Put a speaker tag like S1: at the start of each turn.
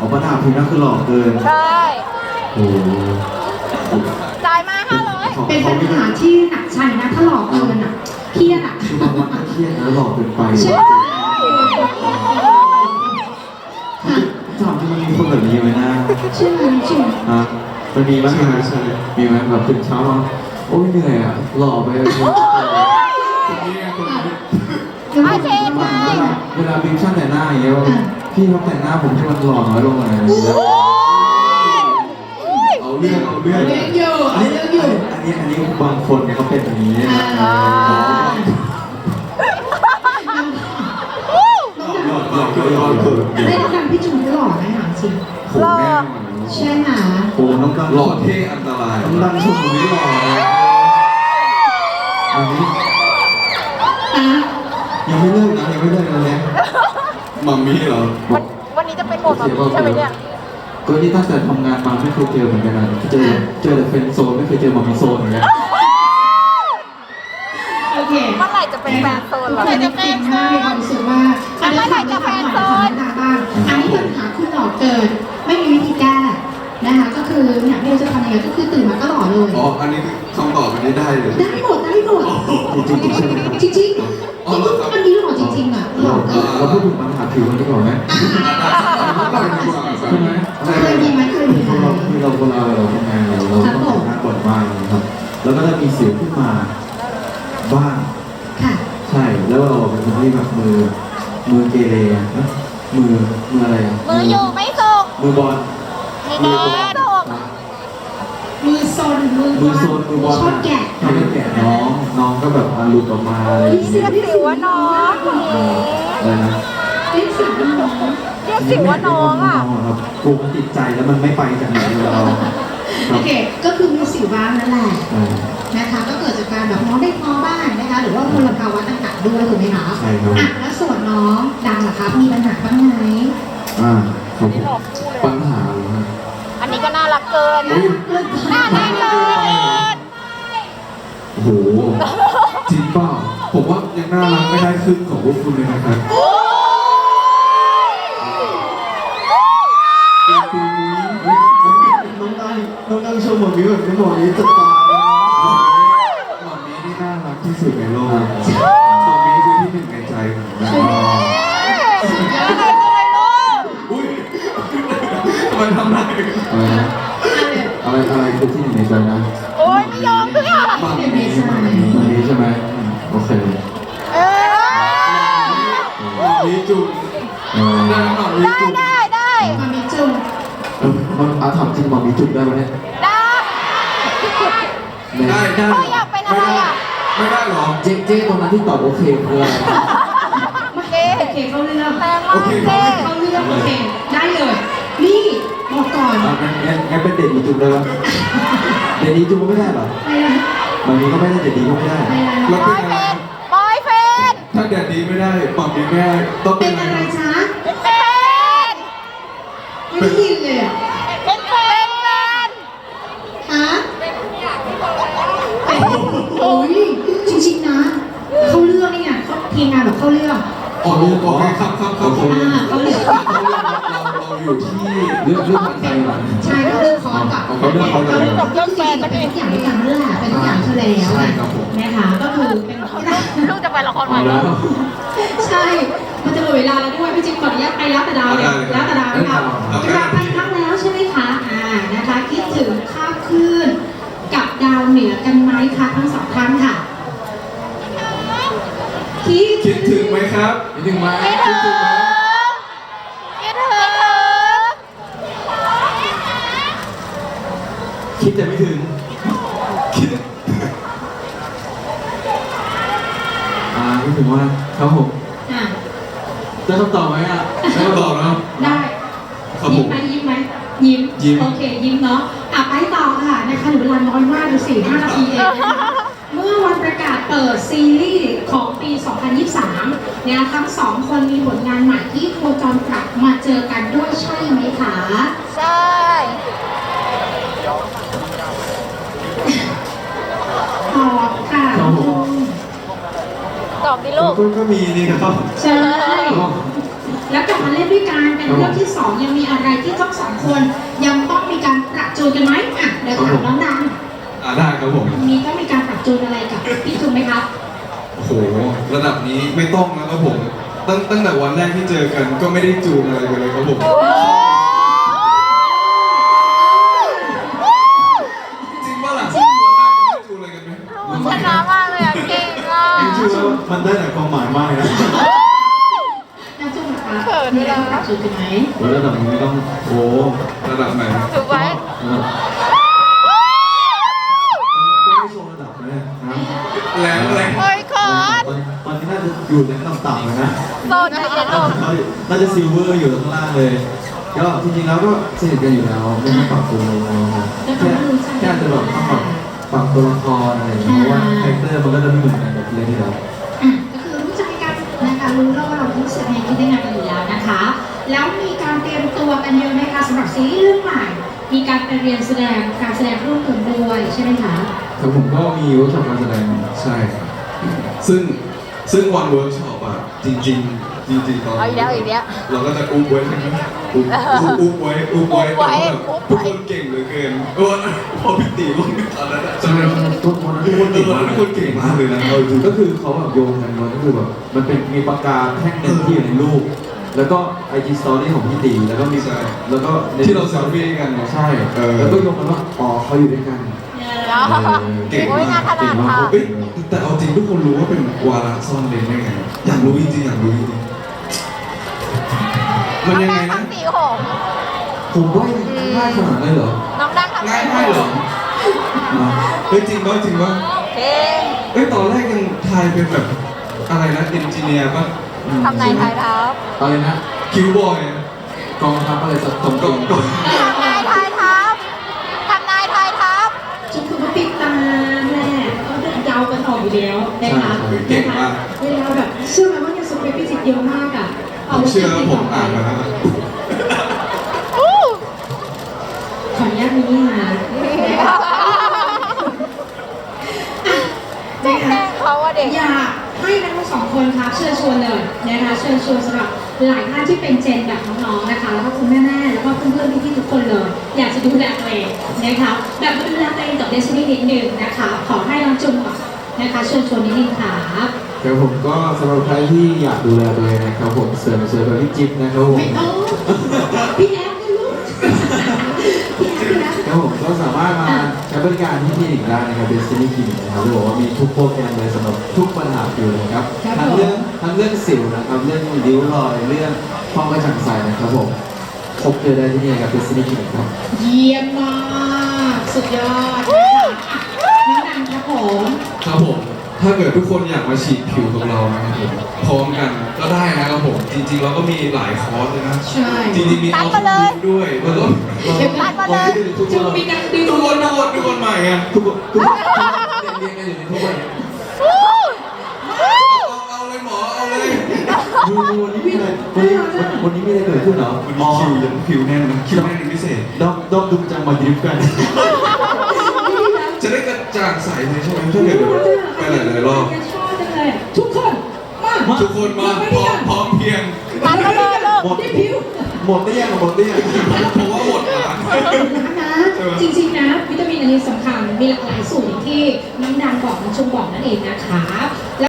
S1: ปัญหาพิมพ์นั่นคือหลอกเกิน
S2: ใช่
S1: โอ้โห
S2: จ่ายมา500
S3: เป็นปัญหาที่หนักใจนะถ้าหลอกเกินอ่ะเครียดอ่ะ
S1: คือบางวันก็เครียดแล้วหลอกเกินไป
S3: ใช่
S1: ถามที่มันมีคนแบบนี้ไหมนะ
S3: ใช่ไหมใช่ไหม
S1: ฮะมันมีบ้างไหมมีไหมแบบตื่นเช้ามาโอ้ยเหนื่อยอ่ะหล่อไปเลย
S2: โอเคได้
S1: เวลาบิวช่างแต่งหน้าอย่างเงี้ยว่าพี่เขาแต่งหน้าผมให้มันหล่อน้อยลงหน่อยเอาเรื่องอันนี้บางคนเนี่ยเขาเป็นอย่างนี้
S3: ได้ทำพี่จุ๋มหล่อไหมถามจริง
S1: ผมแน่นอน
S3: ใช่ไหม
S1: โอ้น้องกันหล่อเท่อันตรายน้องดังชมผมไม่หล่ออันนี้ยังไม่เลิกนะยังไม่เลิกนะเนี่ยมัมมี่เหรอ
S2: วันนี้จะเป็นโหมดแบบนี้ใช่ไหมเนี่ย
S1: ก็นี่ตั้งแต่ทำงานมาไม่เคยเจอเหมือนกันนะเจอแต่เฟรนด์โซนไม่เคยเจอมัมมี่โซนเหมือนกัน
S3: โอเค
S2: เมื่อไหร่จะเป็นแฟนโซนเหรอ
S3: จะเป็นใช่ความรู้สึกว่าอันนี้ปัญหาบ้างอันนี้ปัญหาคุณหล่อเกินไม่มีวิธีแก้นะคะก็คือเนี่ยไม่รู้จะทำยังไงก็คือตื่นมาก็หล่อเลย
S4: อ๋อ อันนี้คำตอบมันได้เลย
S3: ได้หมดจริงใช่ไหมจริงอันนี้หล่อจริงอ่ะหล่อเกิน
S1: เราพูดถึงปัญหาผิวกันดีกว่าไหมใช่ไหม
S3: เคยมีไหม
S1: ที่เราเวลาเราทำงานเราต้องแต่งหน้าก่อนบ้างนะครับแล้วก็จะมีสิวขึ้นมาบ้าง
S3: ค่ะ
S1: ใช่แล้วเราเป็นคนที่แบบมือเกเรนะมืออะไรอ่ะ
S2: มืออยู่ไม่สุก
S1: มือบอล
S2: มีแดงสุก
S3: มือโซนมือบอลชอบแกะ
S1: ชอบแกะน้องก็แบบหลุดออกมาอะไรอย่าง
S2: เรี
S1: เงี้
S2: ย
S1: ย
S2: กสิวว่าน้อง
S1: อะไรนะ
S3: เรียกสิวน้อง
S2: เรียกสิวว่าน้องอ่ะ
S1: ครับกลัวมันติดใจแล้วมันไม่ไปจากไหนเลยเรา
S3: โอเคก็คือมีสิวบ้างนั่นแหละนะคะก็เกิดจากการแบบน้องได้ท้อบ้างนะคะหรือว่ามลภาวะต่างๆด้วยถูกไหมคะ
S1: ใช่ครับ
S3: อ่ะแล้วส่วนน้องดังเหรอคะมีปัญหาบ้างไหม
S1: ครับปัญหา
S2: อันนี้ก็น่ารักเกิน น่ารักเกิน
S1: โอ้โหจริงเปล่าผมว่ายังน่ารักไม่ได้ครึ่งของพวกคุณเลยนะครับน้องดังชมหมดนี้แบบนี้หมดนี้จะตายหมดนี้นี่น่ารักที่สุดในโลกหมดนี้คือที่หนึ่งในใจผมนะ
S2: อะไรเลยลูก
S4: อุ้ยทำไมทำได้
S1: อะไรคือที่หนึ่งในใจนะ
S2: โอ๊ยไม่ยอมด้วยอ่ะ
S1: มันนี้ใช่ไหมโอเค
S2: เออ
S4: มีจุดได้หน่อยมีจุด
S2: ได้
S3: มามีจุง
S1: มันถามจริงบอกมีจุดได้ไหมเนี่ย
S2: ได้
S4: ได้
S2: โอ้ยอยากเป็นอะไรอ่ะ
S4: ไม่ได้หรอ
S1: เจ๊ตรงนั้นที่ตอบโอเคคืออะไร
S2: เจ๊
S3: โอเคเข้าเรื่อง
S2: แรงมากเจ๊
S3: เข้าเรื่องโอเคได้เลยนี่บอกก่อน
S1: งั้นเป็นเด็ดดีจุดได้ไหมเด็ดดีจุดไม่ได้หรอ
S3: ไม่ได้
S1: มันนี้ก็ไม่ได้เด็ดดีก็ไม่ได้
S3: ไม่ได้
S4: แล้ว
S2: บ
S4: เป็
S2: อน ย
S4: อะไร
S2: เฟนบอยเฟน
S4: ถ้าแดดดีไม่ได้ปรับดีไม่ได้ต้องเป็
S3: เป็น น
S4: อะไร
S3: อะไรจ๊ะ
S2: เป็นแฟน
S3: ไม่ได้ยินเลยอ่ะ
S2: เป็นแฟน
S3: ฮะโอ้ยจริงๆนะเข้าเรื่องนี่ไงเขาทีมงานแบบเข้าเรื่อง
S4: อ๋อรู้โอเคครับ
S3: เข้าเรื่อง
S4: เราอยู่ที่
S1: เรื่องของใจหลัง
S3: ใช่เข้าเรื่องคอร์สกับ
S1: เขาเรื่องเขาเลย
S3: จบเรื่องแฟนมันเป็นทุกอย่างด้วยกันนั่นแหละเป็นทุกอย่างเธอแล้วนะคะก็คือเป็น
S2: ลูกจะไปละครใหม่
S1: เอา
S2: แล้
S1: แล้ว ว
S3: ใช่ มันจะหมดเวลาแล้วด้วยพี่จิ๊บขออนุญาตไปแล้วแต่ดาวเลยแล้วแต่ดาวนะคะกลับไปอีกครั้งแล้วใช่ไหมคะนะคะคิดถึงข้าวคลื่นกับดาวเหนือกันไหมคะทั้งสองท่านค่ะ
S4: คิดถึงไหมครับ
S1: นิดนึงมา
S2: คิดถึงคิดถึง
S1: คิดแต่ไม่ถึงคิดคิดถึงว่าครับผม
S3: อ่ะ
S1: ได้คำตอบไหมอ่ะ
S4: ได้ตอบนะ
S3: ได้
S4: ครับผ
S3: ยิ้ม
S4: ม
S3: ไหมยิ้มไหมยิ้มโอเคยิ้มเนาะไปต่อค่ะนะคะเหลือเวลาน้อยมากดูสิ5 นาทีเองนะคะเมื่อวันประกาศเปิดซีรีส์ของปี 2023 เนี่ยทั้งสองคนมีผลงานใหม่ที่โคจรกลับมาเจอกันด้วยใช่ไหมคะ
S2: ใช่
S3: ตอบค่ะ
S2: ตอบดิลูก
S4: ก็มีนี่ครับ
S3: ใช่ แล้วกลับมาเล่นด้วยกันเป็นเรื่องที่สองยังมีอะไรที่ทั้งสองคนยังต้องมีการปรับจูนกันไหมอ่ะเดี๋ยวถามน้องดัง
S4: ได้ครับผม
S3: มีต้องมีการปรับจูนอะไรกับพี่จุนไหมครับ
S4: โอ้โหระดับนี้ไม่ต้องนะครับผมตั้งแต่วันแรกที่เจอกันก็ไม่ได้จูนอะไรกันเลยครับผมจริงป่ะล่ะวันแรกไม่จูนอะไรกันไหม
S2: ชนะมากเลยอ่ะเก่งอ่ะ
S1: ชื่อว่ามันได้หลายความหมายมากเลยนะ
S3: น้ำจุนนะคะ
S2: เขิน
S3: มี
S2: ด้วย
S3: การ
S2: นะ
S3: ปรับจูนกันไหม
S1: ระดับนี้ไม่ต้องโอ้
S4: ระดับไหน
S2: ถูกไหม
S1: ต้องไม่โชว์ระดับเลยนะ
S4: แรงแรง
S2: เฮ้ยเขิน
S1: ตอนนี้น่าจะอยู่ในต่ำๆเลยนะ
S2: โซนใจเย็นลง
S1: น่าจะซิลเวอร์อยู่ข้างล่างเลย ก็จริงๆแล้วก็สนิทกันอยู่แล้วไม่ต้องปรับตัวเลยนะแค่อาจจะแบบต้องแบบปรับตัวละครอะไรอย่างเงี้ยเพราะว่าคาแรคเตอร์มันก็จะไม่เหมือนกันกับเรื่องที่แล้ว
S3: อ่ะก็คือรู้ใจกันนะคะรู้แล้วว่าเรารู้สึกในที่ได้งานกันอยู่แล้วนะคะ แล้วมีการเตรียมตัวกันเยอะไหมคะสำหรับซีรีส์เรื่องใหม่ มีการไปเรียนแสดงการแสดงร่วมกันด้วยใช่ไหมคะ
S1: ครับผมก็มีเวิร์กช็อปการแสดง
S4: ใช่ครับซึ่งวันเวิร์กช็อปอ่ะจริงตอน
S2: เอาอีกแล้วอีกแล้ว
S4: เราก็จะอุ้มไว้ใช่ไหมอุ้มไว้แต่ว่าแบบทุกคนเก่งเหลือเกินพอพี่ตีลงตอนนั้นจำได้ไหม
S1: ทุกคนเก่งมาก
S4: ทุกคนเก่งมากเลยนะเอาจริง
S1: ก็คือเขาแบบโยงกันมาก็คือแบบมันเป็นมีปากกาแท่งหนึ่งที่อยู่ในรูป แล้วก็ IG Story ของพี่ตีแล้วก็มีแล้วก็ใน
S4: ที่เราเซลฟี่กันเนี่ย
S1: ใช่แล้วก็โยงกันว่าอ๋อเขาอยู่ด้วยกัน
S4: เก่ง
S2: โอ้ยงานขนาดค่ะ
S4: เฮ้ยแต่เอาจริงทุกคนรู้ว่าเป็นวาระซ่อนเลนได้ไงอยากรู้จริงๆมันยังไง
S2: ทำ
S4: นะ
S2: สีหง
S1: ผมว่าง่ายขนาดนั้นเหรอ
S2: น้องดังทำ
S4: ง่าย
S2: สีห
S4: มาก
S2: ง
S4: เหรอเฮ้ยจริงป่ะ
S2: เก่ง
S4: เฮ้ยตอนแรกยังทายเป็นแบบอะไรนะเอนจิเนียร์ป่ะ
S2: ทำนายทายทัพ
S1: อะไรนะ
S4: คิวบอย
S1: กองทัพอะไรสักกอง
S4: กอง
S2: ทำนายทายทัพทำนายทายทัพ
S3: จุดคือว่าติดตามแหละก็เดินยาวกันออกอยู่แล้วนะคะเวลาแบบเชื่อไหมว่าเนี่ยสเปคพิจิตรเยอะมากอ่ะ
S4: ผมเชื่อว่าผมอ่านมาแล้ว
S3: ขออนุญาตมีนี่นะ
S2: แกล้งเขาอะเด็ก
S3: อยากให้ทั้งสองคนครับเชิญชวนเลยนะคะเชิญชวนสำหรับหลายท่านที่เป็นเจนแบบน้องๆนะคะแล้วก็คุณแม่ๆแล้วก็เพื่อนๆพี่ๆทุกคนเลย อยากจะดูแลตัวเองนะคะแบบดูแลตัวเองกับเดซินี่นิดนึงนะคะขอให้น้องจุ่มก่อนนะคะเชิญชวนนิดนึงค่ะ
S1: ครับผมก็สำหรับใครที่อยากดูแลตัวเองนะครับผมเสริมแบบพี่จิ๊บนะครับผม
S3: ไม่ต้องพี่แอฟนะลูกพี่แอฟ
S1: ครับผมก็สามารถมาใช้บริการที่คลินิกได้นะครับเดซินี่คลินิกนะครับจะบอกว่ามีทุกโปรแกรมเลยสำหรับทุกปัญหาผิวเลยนะครับทั้งเรื่องสิวนะครับเรื่องริ้วรอยเรื่องความกระจ่างใสนะครับผมพบเจอได้ที่นี่ครับเดซินี่คลินิกครับ
S3: เยี่ยมมากสุดยอดนะคะน้องดังครับผม
S4: ครับผมถ้าเกิดทุกคนอยากมาฉีดผิวกับเรานะครับผมพร้อมกันก็ได้นะครับผมจริงๆเราก็มีหลายคอร์สเลยนะ
S3: ใช่
S4: จริงๆมีออฟฟิศด้วยแล้วก็
S2: นัดมาเลย
S3: จะมีการดึง
S4: ทุกคนใหม่ไง
S1: ทุกคนเรียนกันอยู่ในทุกวัน
S4: เอาเลยหมอเอาเลย
S1: ดูวันนี้มีอะไรวันนี้มีอะไรเกิดขึ้นเหรอ
S4: วันนี้คิวยังคิวแน่นนะคิวแน่นเป็นพิเศษ
S1: ดอมดูจังมาดริฟต์กัน
S4: จะได้กระจ่างใสเลยใช่ไหมถ้าเกิดไปหลายๆรอบ
S3: ชอบจังเลยทุกคนมา
S4: ทุกคนมาพร้อมเพียง
S2: นัดมาเลยลูก
S1: หมด
S3: ได้ผิว
S1: หมดได้ยังหมดได้ยัง
S4: เพราะว่าหมดร้าน
S3: นะจริงๆนะวิตามินอันนี้สำคัญมีหลากหลายสูตรอย่างที่น้องดังบอกน้องชมบอกนั่นเองนะคะ